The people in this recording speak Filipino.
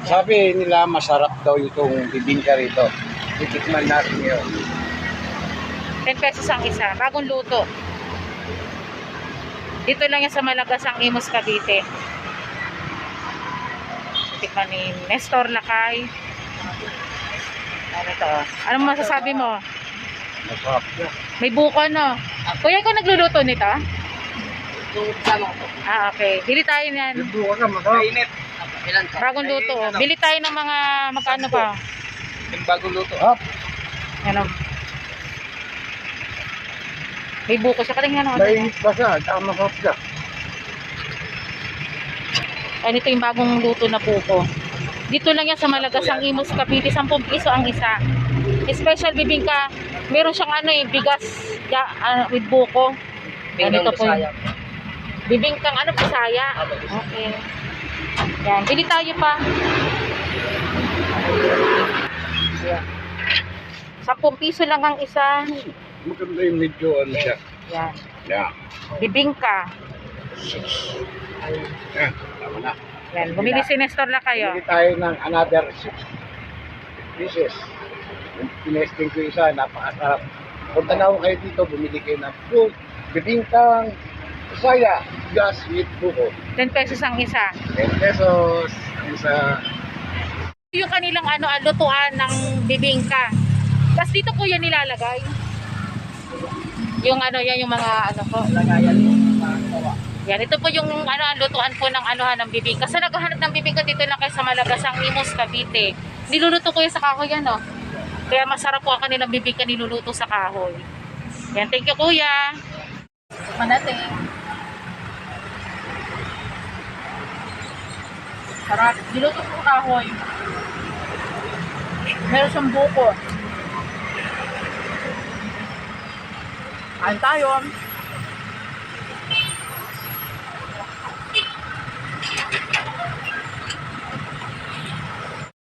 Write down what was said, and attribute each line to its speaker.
Speaker 1: Sabi nila masarap daw itong bibingka rito. Titikman natin yun.
Speaker 2: 10 pesos ang isa. Bagong luto. Dito lang yan sa Malagasang Imus, Cavite. Tikman ni Nestor Lakay. Ano ito? Anong masasabi mo?
Speaker 1: Masarap na.
Speaker 2: May buko, no? Kuya, ikaw nagluluto nito? Okay. Bili tayo niyan.
Speaker 1: Buka ka, masarap. Init.
Speaker 2: Bagong luto. Bili tayo ng mga magkano pa.
Speaker 1: Yung bagong luto. Hop.
Speaker 2: Ano? May buko siya. Patingin ano.
Speaker 1: Mainit pa siya. Tsaka masarap siya.
Speaker 2: Ano ito yung bagong luto na buko. Dito lang yan sa Malagasang Imus, Cavite. 10 piso ang isa. Special bibingka. Meron siyang ano eh, bigas with buko. Ganito po. Bibingkang ano, Bisaya. Okay. Yan. Bili tayo pa. Yan. 10 piso lang ang isa.
Speaker 1: Maganda yung medyo ano siya.
Speaker 2: Yan.
Speaker 1: Yeah.
Speaker 2: Bibingka.
Speaker 1: Yeah. Tama na.
Speaker 2: Yan. Bumili si Nestor na kayo.
Speaker 1: Bili tayo ng another 6 pieces. Yung tinesting ko isa, napakasarap. Kung tanaw kayo dito, bumili kayo ng fruit, bibingkang, Bisaya, gas with buko.
Speaker 2: 10 pesos ang isa.
Speaker 1: 10 pesos ang isa.
Speaker 2: Yung kanilang ano, lutuan ng bibingka. Tapos dito ko yan nilalagay. Yung ano, yan yung mga ano ko.
Speaker 1: Lagayan yung
Speaker 2: Yan, ito po yung ano, lutuan po ng anuhan ng bibingka. Sa naghahanap ng bibingka dito lang kayo sa Malagasang Imus, Cavite. Niluluto ko yan sa kahoy yan, oh. Kaya masarap po ang kanilang bibingka niluluto sa kahoy. Yan, thank you kuya. Manating. Sarap. Niluto ko sa kahoy. Meron siyang buko. Kain tayo.